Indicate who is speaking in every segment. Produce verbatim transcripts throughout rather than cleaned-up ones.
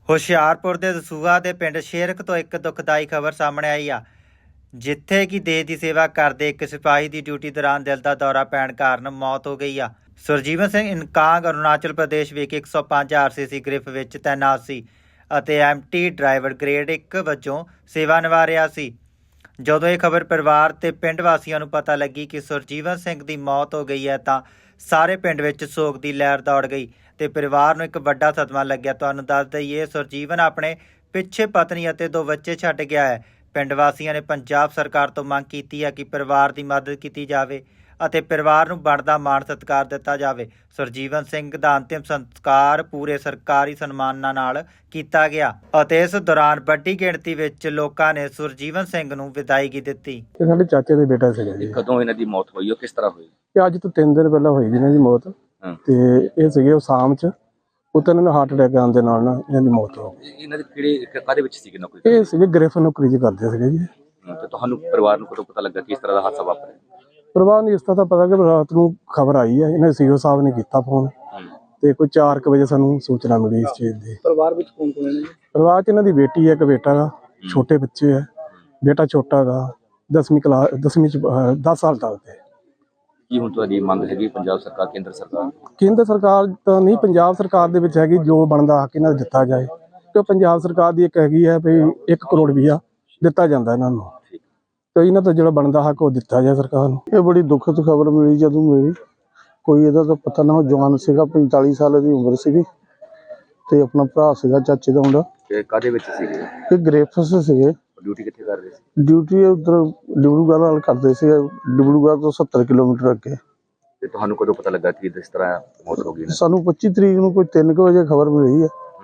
Speaker 1: ਹੁਸ਼ਿਆਰਪੁਰ ਦੇ ਦਸੂਹਾ ਦੇ ਪਿੰਡ ਸ਼ੇਰਕ ਤੋਂ ਇੱਕ ਦੁਖਦਾਈ ਖਬਰ ਸਾਹਮਣੇ ਆਈ ਆ, ਜਿੱਥੇ ਕਿ ਦੇਸ਼ ਦੀ ਸੇਵਾ ਕਰਦੇ ਇੱਕ ਸਿਪਾਹੀ ਦੀ ਡਿਊਟੀ ਦੌਰਾਨ ਦਿਲ ਦਾ ਦੌਰਾ ਪੈਣ ਕਾਰਨ ਮੌਤ ਹੋ ਗਈ ਆ। ਸੁਰਜੀਵਨ ਸਿੰਘ ਇਨਕਾਂਗ ਅਰੁਣਾਚਲ ਪ੍ਰਦੇਸ਼ ਵਿਖੇ ਇੱਕ ਸੌ ਪੰਜ ਆਰ ਸੀ ਸੀ ਗ੍ਰਿਫ ਵਿੱਚ ਤੈਨਾਤ ਸੀ ਅਤੇ ਐਮ ਟੀ ਡਰਾਈਵਰ ਗ੍ਰੇਡ ਇੱਕ ਵਜੋਂ ਸੇਵਾ ਨਿਭਾ ਰਿਹਾ ਸੀ। ਜਦੋਂ ਇਹ ਖਬਰ ਪਰਿਵਾਰ ਤੇ ਪਿੰਡ ਵਾਸੀਆਂ ਨੂੰ ਪਤਾ ਲੱਗੀ ਕਿ ਸੁਰਜੀਵਨ ਸਿੰਘ ਦੀ ਮੌਤ ਹੋ ਗਈ ਹੈ ਤਾਂ ਸਾਰੇ ਪਿੰਡ ਵਿੱਚ ਸੋਗ ਦੀ ਲਹਿਰ ਦੌੜ ਗਈ ਤੇ ਪਰਿਵਾਰ ਨੂੰ ਇੱਕ ਵੱਡਾ ਸਦਮਾ ਲੱਗਿਆ। ਤੁਹਾਨੂੰ ਦੱਸ ਦਈਏ, ਸੁਰਜੀਵਨ ਆਪਣੇ ਪਿੱਛੇ ਪਤਨੀ ਅਤੇ ਦੋ ਬੱਚੇ ਛੱਡ ਗਿਆ ਹੈ। ਪਿੰਡ ਵਾਸੀਆਂ ਨੇ ਪੰਜਾਬ ਸਰਕਾਰ ਤੋਂ ਮੰਗ ਕੀਤੀ ਹੈ ਕਿ ਪਰਿਵਾਰ ਦੀ ਮਦਦ ਕੀਤੀ ਜਾਵੇ ਅਤੇ ਪਰਿਵਾਰ ਨੂੰ ਬਣਦਾ ਮਾਣ ਸਤਿਕਾਰ ਦਿੱਤਾ ਜਾਵੇ। ਸੁਰਜੀਵਨ ਸਿੰਘ ਦਾ ਅੰਤਿਮ ਸੰਸਕਾਰ ਪੂਰੇ ਸਰਕਾਰੀ ਸਨਮਾਨਾਂ ਨਾਲ ਕੀਤਾ ਗਿਆ ਅਤੇ ਇਸ ਦੌਰਾਨ ਵੱਡੀ ਗਿਣਤੀ ਵਿੱਚ ਲੋਕਾਂ ਨੇ ਸੁਰਜੀਵਨ ਸਿੰਘ ਨੂੰ ਵਿਦਾਇਗੀ ਦਿੱਤੀ।
Speaker 2: ਇਹ ਸਾਡੇ ਚਾਚੇ ਦੇ ਬੇਟਾ ਸੀਗਾ ਜੀ।
Speaker 3: ਕਦੋਂ ਇਹਨਾਂ ਦੀ ਮੌਤ ਹੋਈ, ਉਹ ਕਿਸ ਤਰ੍ਹਾਂ ਹੋਈ?
Speaker 2: ਇਹ ਅੱਜ ਤੋਂ ਤਿੰਨ ਦਿਨ ਪਹਿਲਾਂ ਹੋਈ ਜੀ ਇਹਨਾਂ ਦੀ ਮੌਤ। ਤੇ ਇਹ ਸੀਗੇ ਉਹ ਸ਼ਾਮ ਚ ਉਤਨ ਇਹਨਾਂ ਨੂੰ ਹਾਰਟ ਅਟੈਕ ਆਉਣ ਦੇ ਨਾਲ ਨਾ ਇਹਨਾਂ ਦੀ ਮੌਤ ਹੋ ਗਈ।
Speaker 3: ਇਹਨਾਂ ਦੇ ਕਿਹੜੇ ਕਾਹਦੇ ਵਿੱਚ ਸੀਗੇ ਨੌਕਰੀ?
Speaker 2: ਇਹ ਸੀਗੇ ਗ੍ਰਿਫ ਨੌਕਰੀ ਜੀ ਕਰਦੇ ਸੀਗੇ ਜੀ।
Speaker 3: ਤੇ ਤੁਹਾਨੂੰ ਪਰਿਵਾਰ ਨੂੰ ਕਦੋਂ ਪਤਾ ਲੱਗਾ ਕਿ ਇਸ ਤਰ੍ਹਾਂ ਦਾ ਹਾਦਸਾ ਵਾਪਰਿਆ?
Speaker 2: ਪਰਿਵਾਰ ਨੂੰ ਇਸ ਤਰ੍ਹਾਂ ਤਾਂ ਪਤਾ ਕਿ ਰਾਤ ਨੂੰ ਖਬਰ ਆਈ ਹੈ, ਇਹਨਾਂ ਸੀਓ ਸਾਹਿਬ ਨੇ ਕੀਤਾ ਫੋਨ ਤੇ ਕੋਈ ਚਾਰ ਕੁ ਵਜੇ ਸਾਨੂੰ ਸੂਚਨਾ ਮਿਲੀ ਇਸ ਚੀਜ਼ ਦੀ।
Speaker 3: ਪਰਿਵਾਰ ਵਿੱਚ ਕੌਣ ਕੌਣ ਹੈ?
Speaker 2: ਪਰਿਵਾਰ ਚ ਇਹਨਾਂ ਦੀ ਬੇਟੀ ਹੈ, ਇੱਕ ਬੇਟਾ ਗਾ, ਛੋਟੇ ਬੱਚੇ ਹੈ। ਬੇਟਾ ਛੋਟਾ ਗਾ, ਦਸਵੀਂ ਕਲਾਸ ਦਸਵੀਂ ਚ ਦਸ ਸਾਲ ਦਾ ਤੇ।
Speaker 3: ਕੀ ਹੁਣ ਤੁਹਾਡੀ ਮੰਗ ਹੈਗੀ ਪੰਜਾਬ ਸਰਕਾਰ, ਕੇਂਦਰ ਸਰਕਾਰ?
Speaker 2: ਕੇਂਦਰ ਸਰਕਾਰ ਤਾਂ ਨਹੀਂ, ਪੰਜਾਬ ਸਰਕਾਰ ਦੇ ਵਿੱਚ ਹੈਗੀ ਜੋ ਬਣਦਾ ਹੱਕ ਇਹਨਾਂ ਨੂੰ ਦਿੱਤਾ ਜਾਏ। ਕਿਉਂ ਪੰਜਾਬ ਸਰਕਾਰ ਦੀ ਇੱਕ ਹੈਗੀ ਹੈ ਵੀ ਇੱਕ ਕਰੋੜ ਰੁਪਈਆ ਦਿੱਤਾ ਜਾਂਦਾ ਇਹਨਾਂ ਨੂੰ, ਤੇ ਇਹਨਾਂ ਤੋਂ ਜਿਹੜਾ ਬਣਦਾ ਹੱਕ ਉਹ ਦਿੱਤਾ ਜਾਏ ਸਰਕਾਰ ਨੂੰ। ਇਹ ਬੜੀ ਦੁਖਦ ਖਬਰ ਮਿਲੀ ਜਦੋਂ ਮਿਲੀ। ਕੋਈ ਇਹਦਾ ਤਾਂ ਪਤਾ ਨਾ, ਜਵਾਨ ਸੀਗਾ, ਪੰਤਾਲੀ ਸਾਲ ਦੀ ਉਮਰ ਸੀਗੀ ਤੇ ਆਪਣਾ ਭਰਾ ਸੀਗਾ ਚਾਚੇ ਦਾ ਮੁੰਡਾ।
Speaker 3: ਕਾਹਦੇ ਵਿੱਚ ਸੀਗੇ?
Speaker 2: ਇਹ ਗ੍ਰੇਫਸ ਸੀਗੇ।
Speaker 3: ਡਿਊਟੀ ਕਿੱਥੇ ਕਰ ਰਹੇ ਸੀ?
Speaker 2: ਡਿਊਟੀ ਉਧਰ ਡਿਬੜੂਗੜ੍ਹ ਨਾਲ ਕਰਦੇ ਸੀ, ਡਿਬੜੂਗੜ੍ਹ ਤੋਂ ਸੱਤਰ ਕਿਲੋਮੀਟਰ ਅੱਗੇ।
Speaker 3: ਤੇ ਤੁਹਾਨੂੰ ਕਦੋਂ ਪਤਾ ਲੱਗਾ ਕਿ ਇਸ ਤਰ੍ਹਾਂ ਮੌਤ ਹੋ ਗਈ?
Speaker 2: ਸਾਨੂੰ ਪੱਚੀ ਤਰੀਕ ਨੂੰ ਕੋਈ ਤਿੰਨ ਕੁ ਵਜੇ ਖਬਰ ਮਿਲੀ ਹੈ।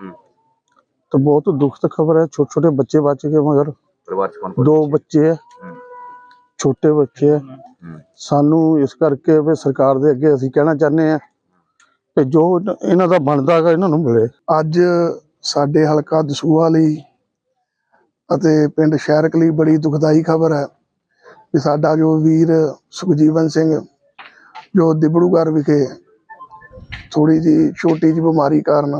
Speaker 2: ਤਾਂ ਬਹੁਤ ਦੁਖਦ ਖਬਰ ਹੈ। ਛੋਟੇ ਛੋਟੇ ਬੱਚੇ ਬਚ ਗਏ, ਮਗਰ
Speaker 3: ਪਰਿਵਾਰ ਚ ਕੌਣ?
Speaker 2: ਦੋ ਬੱਚੇ ਹੈ, ਛੋਟੇ ਬੱਚੇ ਹੈ। ਸਾਨੂੰ ਇਸ ਕਰਕੇ ਵੀ ਸਰਕਾਰ ਦੇ ਅੱਗੇ ਅਸੀਂ ਕਹਿਣਾ ਚਾਹੁੰਦੇ ਹਾਂ ਕਿ ਜੋ ਇਹਨਾਂ ਦਾ ਬਣਦਾ ਹੈਗਾ ਇਹਨਾਂ ਨੂੰ ਮਿਲੇ। ਅੱਜ ਸਾਡੇ ਹਲਕਾ ਦਸੂਹਾ ਲਈ ਅਤੇ ਪਿੰਡ ਸ਼ਹਿਰਕ ਲਈ ਬੜੀ ਦੁਖਦਾਈ ਖਬਰ ਹੈ ਕਿ ਸਾਡਾ ਜੋ ਵੀਰ ਸੁਖਜੀਵਨ ਸਿੰਘ ਜੋ ਦਿਬੜੂਗੜ੍ਹ ਵਿਖੇ ਥੋੜੀ ਜਿਹੀ ਛੋਟੀ ਜਿਹੀ ਬਿਮਾਰੀ ਕਾਰਨ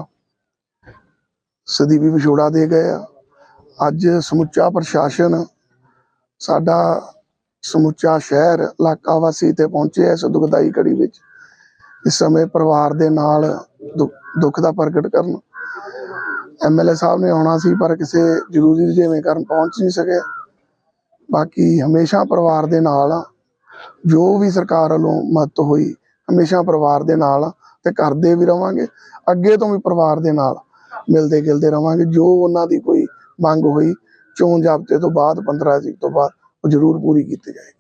Speaker 2: ਸਦੀਵੀ ਵਿਛੋੜਾ ਦੇ ਗਏ ਆ। ਅੱਜ ਸਮੁੱਚਾ ਪ੍ਰਸ਼ਾਸਨ, ਸਾਡਾ ਸਮੁੱਚਾ ਸ਼ਹਿਰ, ਇਲਾਕਾ ਵਾਸੀ ਤੇ ਪਹੁੰਚੇ ਇਸ ਦੁਖਦਾਈ ਘੜੀ ਵਿੱਚ। ਇਸ ਸਮੇਂ ਪਰਿਵਾਰ ਦੇ ਨਾਲ ਦੁੱਖ ਦਾ ਪ੍ਰਗਟ ਕਰਨ ਐਮ ਐਲ ਏ ਸਾਹਿਬ ਨੇ ਆਉਣਾ ਸੀ, ਪਰ ਕਿਸੇ ਜ਼ਰੂਰੀ ਰੁਝੇਵੇਂ ਕਾਰਨ ਪਹੁੰਚ ਨਹੀਂ ਸਕੇ। ਬਾਕੀ ਹਮੇਸ਼ਾ ਪਰਿਵਾਰ ਦੇ ਨਾਲ ਆ। ਜੋ ਵੀ ਸਰਕਾਰ ਵੱਲੋਂ ਮਦਦ ਹੋਈ ਹਮੇਸ਼ਾ ਪਰਿਵਾਰ ਦੇ ਨਾਲ ਤੇ ਕਰਦੇ ਵੀ ਰਵਾਂਗੇ। ਅੱਗੇ ਤੋਂ ਵੀ ਪਰਿਵਾਰ ਦੇ ਨਾਲ ਮਿਲਦੇ ਗਿਲਦੇ ਰਵਾਂਗੇ। ਜੋ ਉਹਨਾਂ ਦੀ ਕੋਈ ਮੰਗ ਹੋਈ ਚੋਣ ਜ਼ਾਬਤੇ ਤੋਂ ਬਾਅਦ ਪੰਦਰਾਂ ਤਰੀਕ ਤੋਂ ਬਾਅਦ ਉਹ ਜ਼ਰੂਰ ਪੂਰੀ ਕੀਤੀ ਜਾਏਗੀ।